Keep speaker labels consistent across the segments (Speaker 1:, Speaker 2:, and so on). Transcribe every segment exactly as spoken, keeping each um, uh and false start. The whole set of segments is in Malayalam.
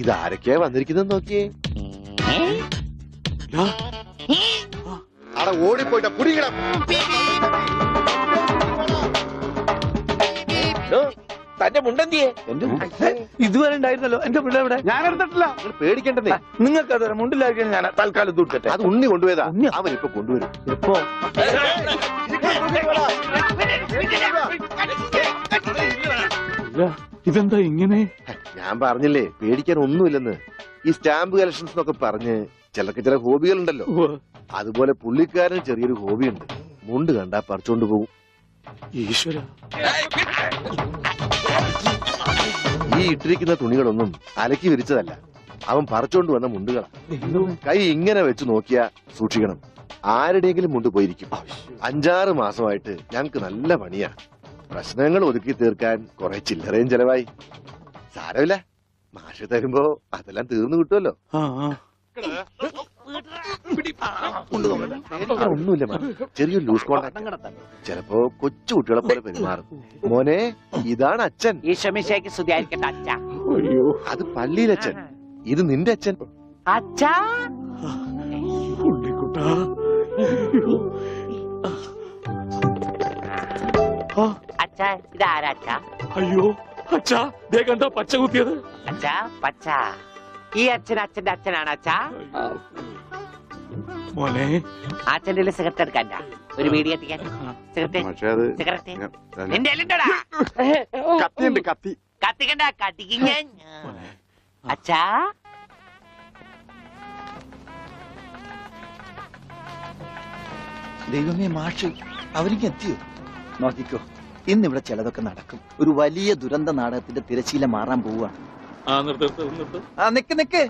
Speaker 1: ഇതാരൊക്കെയാ വന്നിരിക്കുന്നത് നോക്കിയേ. അവിടെ ഓടിപ്പോയിട്ട കുടിക്കണം.
Speaker 2: തന്റെ മുണ്ടെന്തിയെ
Speaker 3: ഇതുവരെ ഉണ്ടായിരുന്നല്ലോ എന്റെ മുണ്ട ഇവിടെ.
Speaker 1: ഞാൻ എടുത്തിട്ടില്ല. പേടിക്കണ്ടേ,
Speaker 3: നിങ്ങൾക്ക് അത് മുണ്ടിലാക്കിയാണ് ഞാൻ തൽക്കാലം തൂട്ടട്ടെ.
Speaker 1: അത് ഉണ്ണി കൊണ്ടുപോയതാ. അവൻ ഇപ്പൊ കൊണ്ടുവരും.
Speaker 3: എപ്പോ?
Speaker 4: ഇതെന്താ ഇങ്ങനെ?
Speaker 1: ഞാൻ പറഞ്ഞില്ലേ പേടിക്കാൻ ഒന്നുമില്ലെന്ന്. ഈ സ്റ്റാമ്പ് കളക്ഷൻസ് എന്നൊക്കെ പറഞ്ഞ് ചിലർക്ക് ചില ഹോബികളുണ്ടല്ലോ. അതുപോലെ പുള്ളിക്കാരന് ചെറിയൊരു ഹോബിയുണ്ട്. മുണ്ട് കണ്ടാ പറിച്ചോണ്ട് പോകും.
Speaker 4: ഈശ്വര,
Speaker 1: ഈ ഇട്ടിരിക്കുന്ന തുണികളൊന്നും അലക്കി വിരിച്ചതല്ല, അവൻ പറിച്ചോണ്ട് വന്ന മുണ്ടുകളാ. കൈ ഇങ്ങനെ വെച്ച് നോക്കിയാ സൂക്ഷിക്കണം, ആരുടെയെങ്കിലും മുണ്ട് പോയിരിക്കും. അഞ്ചാറ് മാസമായിട്ട് ഞങ്ങക്ക് നല്ല പണിയാ. പ്രശ്നങ്ങൾ ഒതുക്കി തീർക്കാൻ കുറെ ചില്ലറയും ചെലവായി. സാരമില്ല, മാഷ് തരുമ്പോ അതെല്ലാം തീർന്നു കിട്ടുമല്ലോ. ഒന്നുമില്ല, ചെറിയൊരു ലൂസ് കോണ്ടാക്ട്. ചിലപ്പോ കൊച്ചു കുട്ടികളെ പോലെ പെരുമാറും. മോനെ, ഇതാണ് അച്ഛൻ.
Speaker 2: ഈശോമിശിഹായ്ക്ക് സ്തുതിയായിരിക്കട്ടെ അച്ഛാ.
Speaker 1: അത് പള്ളിയിലച്ഛൻ, ഇത് നിന്റെ അച്ഛൻ.
Speaker 2: അച്ഛാ, അച്ഛാ ഇതാരാ അച്ഛാ?
Speaker 4: അയ്യോ അച്ഛാ, ദേ കണ്ടോ പച്ച കുത്തിയത്.
Speaker 2: അച്ഛാ പച്ച, ഈ അച്ഛൻ അച്ഛന്റെ അച്ഛനാണ് അച്ഛാ.
Speaker 4: മോനെ,
Speaker 2: അച്ഛന്റെ സിഗരറ്റ് എടുക്കാൻ ഒരു വീഡിയോ എത്തിക്കാൻ. സിഗരറ്റ് സിഗരറ്റ് നിന്റെ എല്ലുണ്ടോടാ?
Speaker 1: കത്തിയുണ്ട്, കത്തി.
Speaker 2: കത്തിക്കണ്ട, കത്തിക്കും ഞാൻ. അച്ഛാ
Speaker 3: ദൈവമേ, മാഷ് അവർക്ക് എത്തിയോ? നോക്കിക്കോ, ഇന്നിവിടെ ചിലതൊക്കെ നടക്കും. ഒരു വലിയ ദുരന്ത നാടകത്തിന്റെ തിരശീല മാറാൻ പോവുകയാണ്. ആ നിക്ക് നിക്ക്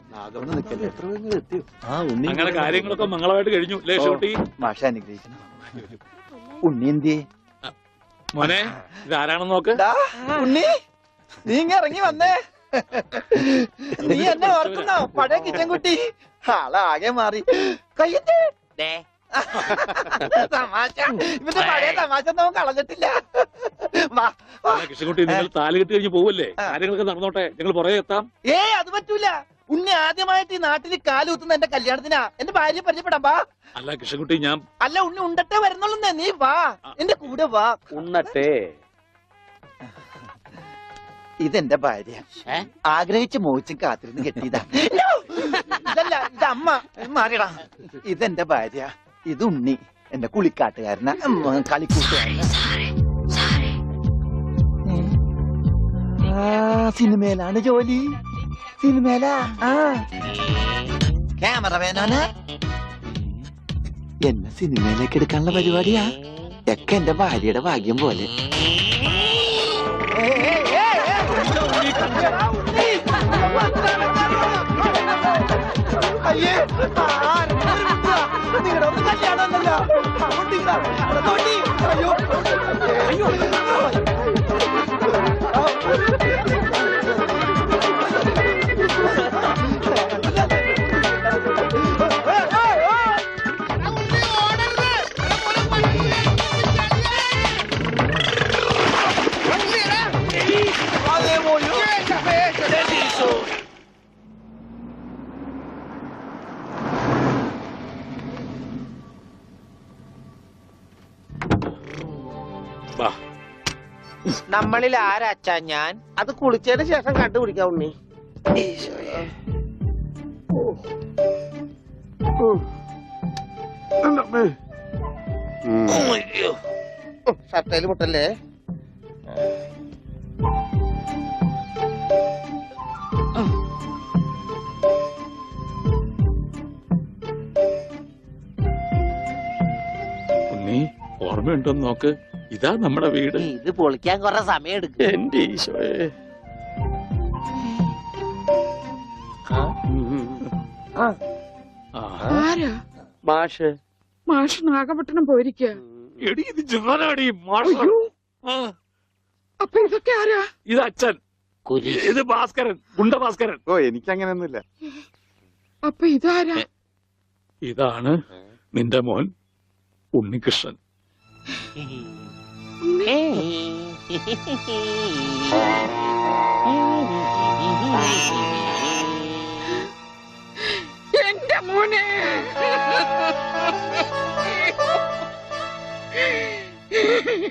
Speaker 4: അങ്ങനെ കാര്യങ്ങളൊക്കെ മംഗളമായിട്ട് കഴിഞ്ഞു.
Speaker 3: മാഷ അനുഗ്രഹിക്കണം. ഉണ്ണി എന്തിയെ?
Speaker 4: മോനെ, ഇതാരാണെന്ന് നോക്ക്.
Speaker 3: ഉണ്ണി, നീ ഇങ്ങ ഇറങ്ങി വന്നേ. നീ എന്നെ ഓർക്കുന്നോ? പഴയ കിച്ചൻ കുട്ടി ആളാകെ മാറി. കയ്യേ തമാശ, ഇവന്റെ പഴയ തമാശ ഒന്നും കളഞ്ഞിട്ടില്ല.
Speaker 4: കൃഷ്ണൻകുട്ടി, നിങ്ങൾ താലി കെട്ടി കഴിഞ്ഞ് പോവല്ലേ? കാര്യങ്ങളൊക്കെ നടന്നോട്ടെ, ഞങ്ങൾ പുറകെ എത്താം.
Speaker 3: ഏ അത് പറ്റൂല. ഉണ്ണി ആദ്യമായിട്ട് ഈ നാട്ടിൽ കാലുകുത്തുന്ന എന്റെ കല്യാണത്തിനാ. എന്റെ ഭാര്യ പരിചയപ്പെടാം, വാ.
Speaker 4: അല്ല കൃഷ്ണൻകുട്ടി, ഞാൻ
Speaker 3: അല്ല ഉണ്ണി ഉണ്ടട്ടെ വരുന്നുള്ളൂ. നീ വാ, എന്റെ കൂടെ വാ.
Speaker 2: ഉണ്ണട്ടെ.
Speaker 3: ഇതെന്റെ ഭാര്യ, ആഗ്രഹിച്ച് മോഹിച്ചും കാത്തിരുന്ന് കെട്ടിയതാ. ഇതല്ല, ഇത് അമ്മ. മാറിയടാ. ഇതെന്റെ ഭാര്യ, ഇത് ഉണ്ണി, എന്റെ കുളിക്കാട്ടുകാരന, കളിക്കൂട്ടുകാരന. സിനിമയിലാണ് ജോലി. സിനിമയിലാ. ആ ക്യാമറമാനാണ്. എന്നെ സിനിമയിലേക്ക് എടുക്കാനുള്ള പരിപാടിയാ. ഒക്കെ എന്റെ ഭാര്യയുടെ ഭാഗ്യം പോലെ. അയ്യേ, നിങ്ങളുടെ ഒന്ന് കല്യാണമല്ലോ. അയ്യോ അയ്യോ,
Speaker 2: നമ്മളിൽ ആരാച്ചാ ഞാൻ? അത് കുളിച്ചതിന് ശേഷം കണ്ടുപിടിക്കാം ഉണ്ണി. ഷർട്ടയില് മുട്ടല്ലേ?
Speaker 4: ഉണ്ണി, ഓർമ്മയുണ്ടോന്ന് നോക്ക്. ഇതാ നമ്മുടെ വീട്.
Speaker 2: ഇത് പൊളിക്കാൻ കുറെ സമയം എടുക്കും.
Speaker 4: എന്റെ ഈശോയെ.
Speaker 2: മാഷ്
Speaker 5: മാഷ് നാഗപട്ടണം പോയിരിക്കുക.
Speaker 4: എടി, ഇത് ജാനാടി മാഷ്.
Speaker 5: അപ്പൊ ഇതൊക്കെ ആരാ?
Speaker 4: ഇത് അച്ഛൻ, ഇത് ഭാസ്കരൻ, ഗുണ്ട ഭാസ്കരൻ.
Speaker 1: ഓ, എനിക്കങ്ങനെയൊന്നുമില്ല.
Speaker 5: അപ്പൊ ഇതാരാ?
Speaker 4: ഇതാണ് നിന്റെ മോൻ ഉണ്ണികൃഷ്ണൻ.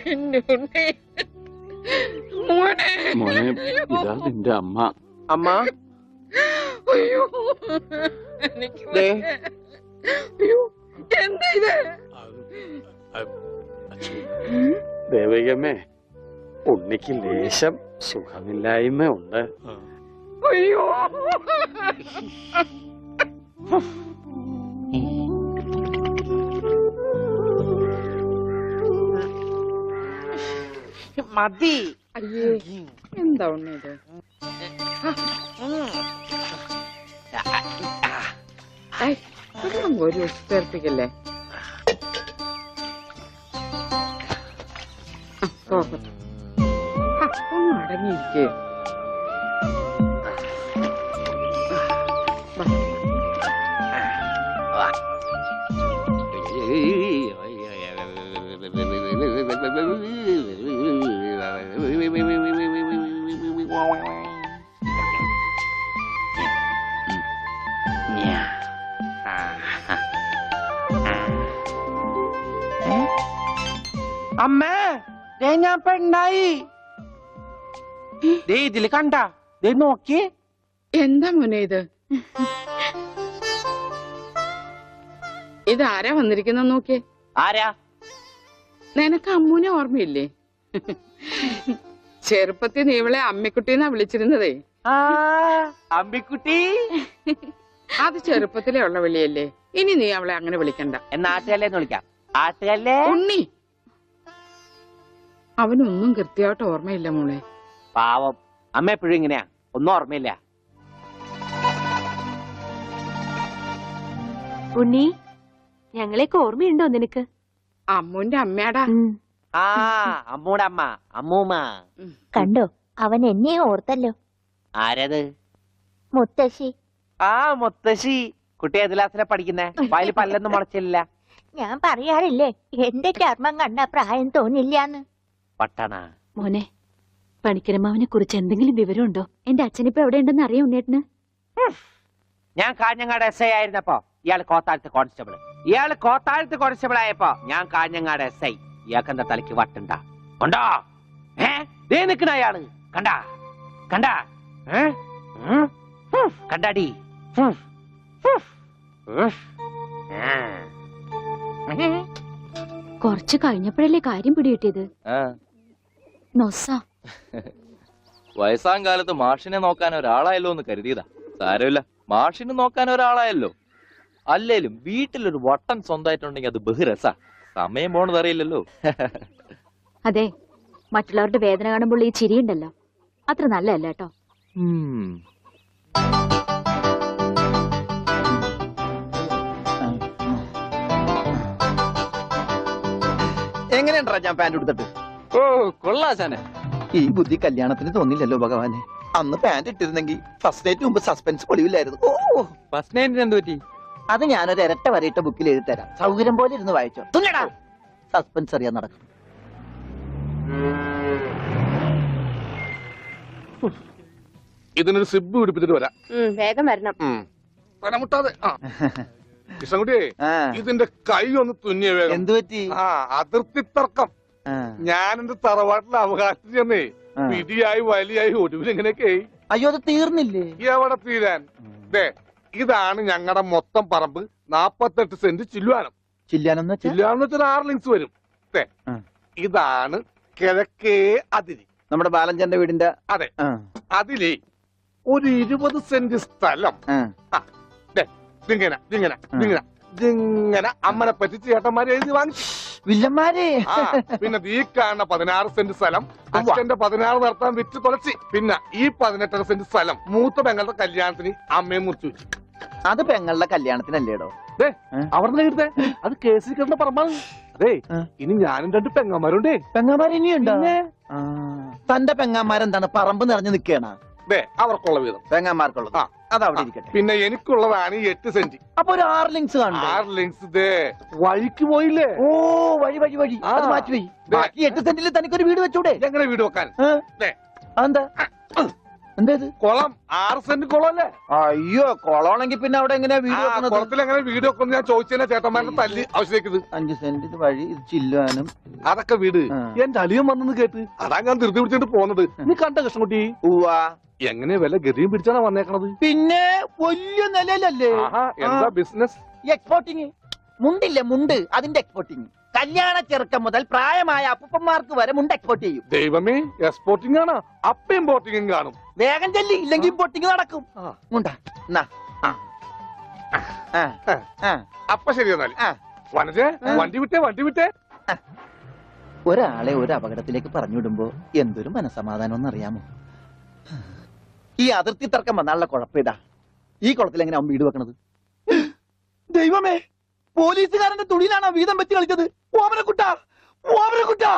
Speaker 5: എന്റെ ഉണ്ണി. മോനെ.
Speaker 4: മോനെ ഇതാ നിന്റെ അമ്മ.
Speaker 2: അമ്മ
Speaker 5: അയ്യോ എനിക്ക്
Speaker 2: ദേ.
Speaker 5: വയ്യ. അയ്യോ എന്താ ഇത്?
Speaker 4: ദേവകമ്മേ, ഉണ്ണിക്ക് ലേശം സുഖമില്ലായ്മ ഉണ്ട്.
Speaker 5: അയ്യോ
Speaker 2: മതി.
Speaker 5: അയ്യേ എന്താ ഉണ്ണി ഇത്? ഐ, വെള്ളം ഒരു ചേർപ്പിക്കല്ലേ. പോകട്ടെ. ആ, ഒന്ന് അടങ്ങിയിരിക്കേ.
Speaker 2: അമ്മേ, ദേ ഞാൻ പെണ്ണായി. ദേ ഇതില് കണ്ട, ദേ നോക്കി.
Speaker 5: എന്താ മോനെ ഇത്? ഇതാരാ വന്നിരിക്കുന്ന നോക്കിയേ.
Speaker 2: ആരാ?
Speaker 5: നിനക്ക് അമ്മൂനെ ഓർമ്മയില്ലേ? ചെറുപ്പത്തിൽ നീ ഇവളെ അമ്മിക്കുട്ടീന്നാ വിളിച്ചിരുന്നതേ.
Speaker 2: ആ അമ്പിക്കുട്ടി.
Speaker 5: അത് ചെറുപ്പത്തിലേ ഉള്ള വിളിയല്ലേ. ഇനി നീ അവളെ അങ്ങനെ വിളിക്കണ്ട.
Speaker 2: എന്നാ ആട്ടുകല്ലേന്ന് വിളിക്കാം. ആട്ടുകല്ലേ.
Speaker 5: ഉണ്ണി, അവനൊന്നും കൃത്യമായിട്ട് ഓർമ്മയില്ല മോളെ.
Speaker 2: പാവം അമ്മ എപ്പോഴും ഇങ്ങനെയാ, ഒന്നും ഓർമ്മയില്ല.
Speaker 6: ഉണ്ണി, ഞങ്ങളെയൊക്കെ ഓർമ്മയുണ്ടോ നിനക്ക്?
Speaker 5: അമ്മൂന്റെ അമ്മയാടാ.
Speaker 2: ആ അമ്മൂടെ അമ്മ, അമ്മൂമ്മ.
Speaker 6: കണ്ടോ, അവൻ എന്നെ ഓർത്തല്ലോ.
Speaker 2: ആരത്?
Speaker 6: മുത്തശ്ശി.
Speaker 2: ആ മുത്തശ്ശി. കുട്ടി ഏത് ക്ലാസ്സിലാ പഠിക്കുന്നേ? വായിൽ പല്ലൊന്നും മുളച്ചില്ല.
Speaker 6: ഞാൻ പറയാറില്ലേ, എന്റെ ചർമ്മം കണ്ട പ്രായം തോന്നില്ലാന്ന്.
Speaker 2: പട്ടണ
Speaker 6: മോനെ, പണിക്കരമാവിനെ കുറിച്ച് എന്തെങ്കിലും വിവരമുണ്ടോ? എന്റെ അച്ഛനിപ്പോ എവിടെ ഉണ്ടെന്ന് അറിയാം ഉണ്ണേട്ടന്?
Speaker 2: ഞാൻ കാഞ്ഞങ്ങാട് എസ് ഐ ആയിരുന്നപ്പോ ഇയാള് കോത്താഴത്ത് കോൺസ്റ്റബിൾ. ഇയാള് കോത്താഴത്ത് കോൺസ്റ്റബിൾ ആയപ്പോ ഞാൻ കാഞ്ഞങ്ങാട് എസ് ഐ. ഇയാൾക്ക് എന്താ തലയ്ക്ക് വട്ടുണ്ടാ? ഉണ്ടോ? ഏ ദേ നിക്കണ അയാള്. കണ്ടാ കണ്ടാ ഏ ഉം. ഉം. കണ്ടാടി. ഉം. ഉം. ഉം. ഉം.
Speaker 6: കുറച്ചു കഴിഞ്ഞപ്പോഴല്ലേ കാര്യം പിടികിട്ടിയത്. നൊസ
Speaker 7: വയസ്സാം കാലത്ത് മാഷിനെ നോക്കാൻ ഒരാളായല്ലോ എന്ന് കരുതിയതാ. സാരമില്ല, മാഷിനെ നോക്കാൻ ഒരാളായല്ലോ. അല്ലേലും വീട്ടിലൊരു വട്ടൻ സ്വന്തമായിട്ടുണ്ടെങ്കിൽ അത് ബഹുരസാ. സമയം പോണത് അറിയില്ലല്ലോ.
Speaker 6: അതെ, മറ്റുള്ളവരുടെ വേദന കാണുമ്പോൾ ഈ ചിരിയുണ്ടല്ലോ, അത്ര നല്ലതല്ല കേട്ടോ.
Speaker 7: ഉം.
Speaker 3: എങ്ങനെയുണ്ടാ ഞാൻ പാന്റ് എടുത്തിട്ട്?
Speaker 7: ഓ കൊള്ളാശാനെ.
Speaker 3: ഈ ബുദ്ധി കല്യാണത്തിന് തോന്നില്ലല്ലോ ഭഗവാനെ. അന്ന് പാന്റ് ഇട്ടിരുന്നെങ്കിൽ ഫസ്റ്റ് ഡേറ്റ് മുമ്പ് സസ്പെൻസ് പൊളിവില്ലായിരുന്നു. ഓ,
Speaker 7: ഫസ്റ്റ് നൈറ്റിന് എന്ത് പറ്റി?
Speaker 3: അത് ഞാനൊരു ഇരട്ട വരയിട്ട ബുക്കിൽ എഴുതി തരാം. സൗകര്യം പോലെ ഇരുന്ന് വായിച്ചോ. തുന്നടാ, സസ്പെൻസ് അറിയാൻ നടക്കും.
Speaker 8: ഇതിനൊരു സിബ് പിടിപ്പിച്ചിട്ട് വരാം.
Speaker 6: വേഗം വരണം.
Speaker 8: മുട്ടാതെ. കൃഷ്ണൻകുട്ടി, ഇതിന്റെ കൈ ഒന്ന് തുന്നിയ വേഗം.
Speaker 3: എന്തു പറ്റി?
Speaker 8: ആ അതിർത്തി തർക്കം. ഞാൻ എന്റെ തറവാട്ടിലെ അവകാശം ചെന്നേ പിടിയായി വലിയായി ഒടുവിൽ എങ്ങനെയൊക്കെ.
Speaker 3: അയ്യോ, അത് തീർന്നില്ലേ?
Speaker 8: എവിടെ തീരാൻ? ദേ ഇതാണ് ഞങ്ങളുടെ മൊത്തം പറമ്പ്. നാപ്പത്തെട്ട് സെന്റ് ചില്ലുവാനം.
Speaker 3: ചില്ലാനെന്ന് വെച്ചാൽ
Speaker 8: ചില്ലുവാനം വെച്ചാൽ ആറ് ലിങ്സ് വരും. ദേ ഇതാണ് കിഴക്കേ അതിരി.
Speaker 3: നമ്മുടെ ബാലഞ്ചന്റെ വീടിന്റെ.
Speaker 8: അതെ, അതിലേ ഒരു ഇരുപത് സെന്റ് സ്ഥലം. ഇതിങ്ങനെ ഇതിങ്ങനെ ഇതിങ്ങനെ ഇതിങ്ങനെ അമ്മനെ പറ്റിച്ച് ചേട്ടന്മാരെ എഴുതി വാങ്ങിച്ചു.
Speaker 3: വില്ലന്മാരെ.
Speaker 8: പിന്നെ ഈ കാണുന്ന പതിനാറ് സെന്റ് സ്ഥലം അച്ഛന്റെ പതിനാറ് നടത്താൻ വിറ്റ് തുളച്ചി. പിന്നെ ഈ പതിനെട്ടര സെന്റ് സ്ഥലം മൂത്ത പെങ്ങളുടെ കല്യാണത്തിന് അമ്മയെ മുറിച്ചു വെച്ചു.
Speaker 3: അത് പെങ്ങളുടെ കല്യാണത്തിനല്ലേടോ?
Speaker 8: അവിടെ എഴുതേ അത് കേസിൽ കിടന്ന പറമ്പാണ്. അതെ, ഇനി ഞാനും രണ്ട് പെങ്ങന്മാരുണ്ടേ.
Speaker 3: പെങ്ങന്മാർ ഇനിയുണ്ടോ? തന്റെ പെങ്ങന്മാരെന്താണ് പറമ്പ് നിറഞ്ഞു നിൽക്കണ?
Speaker 8: ദേ അവർക്കുള്ള വീതം
Speaker 3: പെങ്ങന്മാർക്കുള്ളത്.
Speaker 8: ആ
Speaker 3: അതവിടെ ഇരിക്കട്ടെ.
Speaker 8: പിന്നെ എനിക്കുള്ളതാണ് ഈ എട്ട് സെന്റ്.
Speaker 3: അപ്പൊ ഒരു ആറ് ലിങ്സ് കാണും.
Speaker 8: ആറ് ലിങ്സ് ദേ വഴിക്ക് പോയില്ലേ?
Speaker 3: ഓ, വഴി വഴി വഴി അത് മാറ്റി പോയി. ബാക്കി എട്ട് സെന്റിൽ തനിക്കൊരു വീട് വെച്ചൂടെ?
Speaker 8: എങ്ങനെ വീട് വെക്കാൻ?
Speaker 3: അതെന്താ? എന്തേത്
Speaker 8: കുളം ആറ് സെന്റ് കുളം അല്ലേ
Speaker 3: അയ്യോ കൊളമാണെങ്കിൽ പിന്നെ അവിടെ എങ്ങനെയാ വീട്
Speaker 8: ആ
Speaker 3: വെക്കണത്
Speaker 8: കുളത്തിൽ എങ്ങനെ വീട് വെക്കുന്നു ഞാൻ ചോദിച്ചതിനെ ചേട്ടന്മാരുടെ തല്ലി ആവശ്യത്തേക്കത്
Speaker 3: അഞ്ച് സെന്റ് ഇത് വഴി ഇത് ചില്ലുവാനും
Speaker 8: അതൊക്കെ വീട്
Speaker 3: ആ.
Speaker 8: എന്റെ അളിയൻ വന്നെന്ന് കേട്ട് അതാ ഞാൻ ധൃതി പിടിച്ചിട്ട് പോന്നത് നീ കണ്ട കൃഷ്ണൻകുട്ടി
Speaker 3: ഉവാ
Speaker 8: എങ്ങനെ വല്ല ഗതിയും പിടിച്ചാണ് വന്നേക്കണത്
Speaker 3: പിന്നെ വലിയ നിലയിലല്ലേ
Speaker 8: ആഹാ എന്താ ബിസിനസ്
Speaker 3: എക്സ്പോർട്ടിങ് മുണ്ടില്ലേ മുണ്ട് അതിന്റെ എക്സ്പോർട്ടിങ് കല്യാണ ചെറുക്കം മുതൽ പ്രായമായ അപ്പൂപ്പന്മാർക്ക് വരെ മുണ്ട് എക്സ്പോർട്ട് ചെയ്യും
Speaker 8: ദൈവമേ എക്സ്പോർട്ടിംഗ് ആണ് അപ്പ ഇമ്പോർട്ടിംഗും കാണും
Speaker 3: വേഗം ചെല്ലി ഇല്ലെങ്കിൽ ഇമ്പോർട്ടിങ് നടക്കും
Speaker 8: ആ.
Speaker 3: മുണ്ട എന്നാ. ആ. ആ. ആ.
Speaker 8: അപ്പൊ ശരി എന്നാല്
Speaker 3: ആ.
Speaker 8: വനജേ
Speaker 3: ആ.
Speaker 8: വണ്ടി വിട്ടേ വണ്ടി വിട്ടേ
Speaker 3: ഒരാളെ ഒരു അപകടത്തിലേക്ക് പറഞ്ഞുവിടുമ്പോ എന്തൊരു മനസമാധാനം എന്നറിയാമോ ഈ അതിർത്തി തർക്കം വന്നാലുള്ള കുഴപ്പമിതാ ഈ കുളത്തിൽ എങ്ങനെ അവൻ വീട് വെക്കണത് ദൈവമേ പോലീസുകാരന്റെ തുണിയിലാണോ വീതം വെച്ച് കളിച്ചത് ഓമനക്കുട്ട ഓമനക്കുട്ട